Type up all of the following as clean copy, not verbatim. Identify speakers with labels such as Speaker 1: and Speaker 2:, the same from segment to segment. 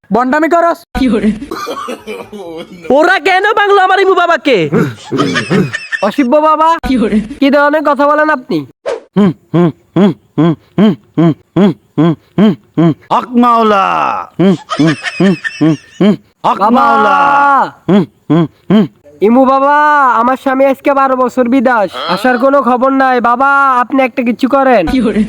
Speaker 1: বন্ডামি করস।
Speaker 2: ওরা কেন বাংলো আমার ইমু বাবাকে?
Speaker 1: অসিব্য বাবা, কি ধরনের কথা বলেন আপনি?
Speaker 3: হক মাওলা, হক
Speaker 1: বাবা,
Speaker 3: মাওলা।
Speaker 1: ইমু বাবা, আমার স্বামী আজকে 12 বছর বিদেশ, আসার কোনো খবর নাই। বাবা, আপনি একটা কিছু করেন।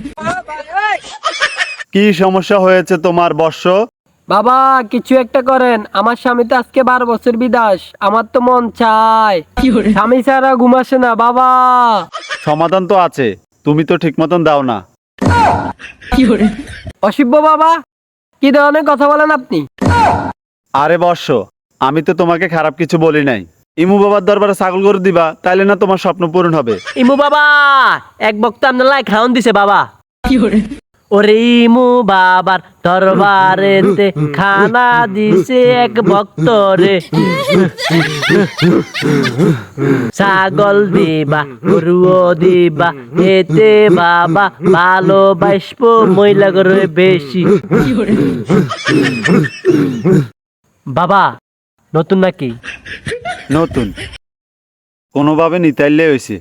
Speaker 3: কি সমস্যা হয়েছে তোমার বর্ষ?
Speaker 1: বাবা, কিছু একটা করেন। আমার স্বামী তো আজকে 12 বছর বিদেশ, আমার তো মন চায়। স্বামী ছাড়া ঘুম আসে না বাবা।
Speaker 3: সমাধান তো আছে, তুমি তো ঠিক মতন দাও না।
Speaker 1: অসিব্য বাবা, কি ধরনের কথা বলেন আপনি?
Speaker 3: আরে বর্ষ, আমি তো তোমাকে খারাপ কিছু বলি নাই। ইমু বাবার দরবারে ছাগল গরু দিবা, তাইলে না তোমার স্বপ্ন পূরণ হবে।
Speaker 2: ইমু বাবা এক বক্তা আপনার লাই খাওন দিছে বাবা। ওরে ইমু বাবার দরবারেতে খানা দিছে এক ভক্ত রে। ছাগল দিবা গরুও দিবা, এতে বাবা ভালোবাসবো মহিলা করে বেশি। বাবা নতুন নাকি?
Speaker 3: নতুন, কোনোভাবে নিতাইলে হয়েছে।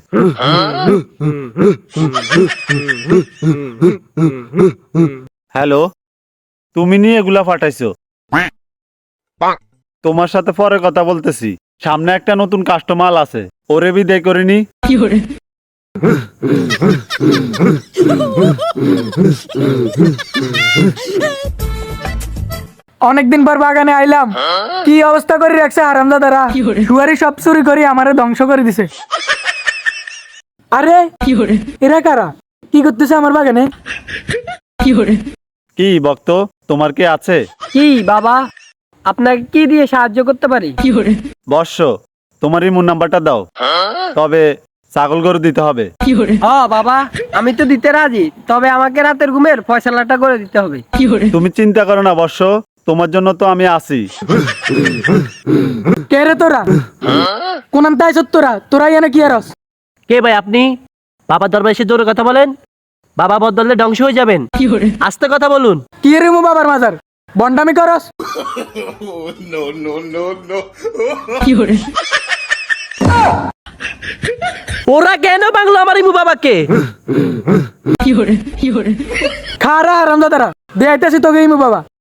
Speaker 3: হ্যালো, তুমি নিয়ে এগুলা ফাটাইছো? তোমার সাথে পরে কথা বলতেছি। সামনে একটা নতুন কাস্টমার আছে, ওরে বিদায় করিনি।
Speaker 1: অনেকদিন পর বাগানে আইলাম, কি অবস্থা করে রাখছে হারামজাদারা। শুয়ারি সব চুরি করে আমারে ধ্বংস করে দিছে। আরে এরা কারা, কি করতেছে আমার বাগানে?
Speaker 3: কি বক্ত, তোমার কি আছে?
Speaker 1: কি বাবা, আপনাকে কি দিয়ে সাহায্য করতে পারি?
Speaker 3: বর্ষ, তোমার ইমুর নাম্বারটা দাও, তবে ছাগল গরু দিতে হবে।
Speaker 1: হ্যাঁ বাবা, আমি তো দিতে রাজি, তবে আমাকে রাতের ঘুমের ফয়সালাটা করে দিতে হবে।
Speaker 3: তুমি চিন্তা করো না বর্ষ, তোমার জন্য তো আমি আছি।
Speaker 1: কে রে তোরা? কোন তাই তোরা তোরাই এনে কি আরস?
Speaker 2: কে ভাই আপনি? বাবার দরবারে এসে জোরে কথা বলেন, বাবা বদলে ধ্বংস হয়ে যাবেন। আস্তে কথা বলুন।
Speaker 1: কি রে মু বাবার মাজার, বন্ডামি করস?
Speaker 2: ওরা কেন বাংলো আমার ইমু বাবাকে?
Speaker 1: খারা হারামজাদারা, দেখাইতেছি তোকে ইমু বাবা।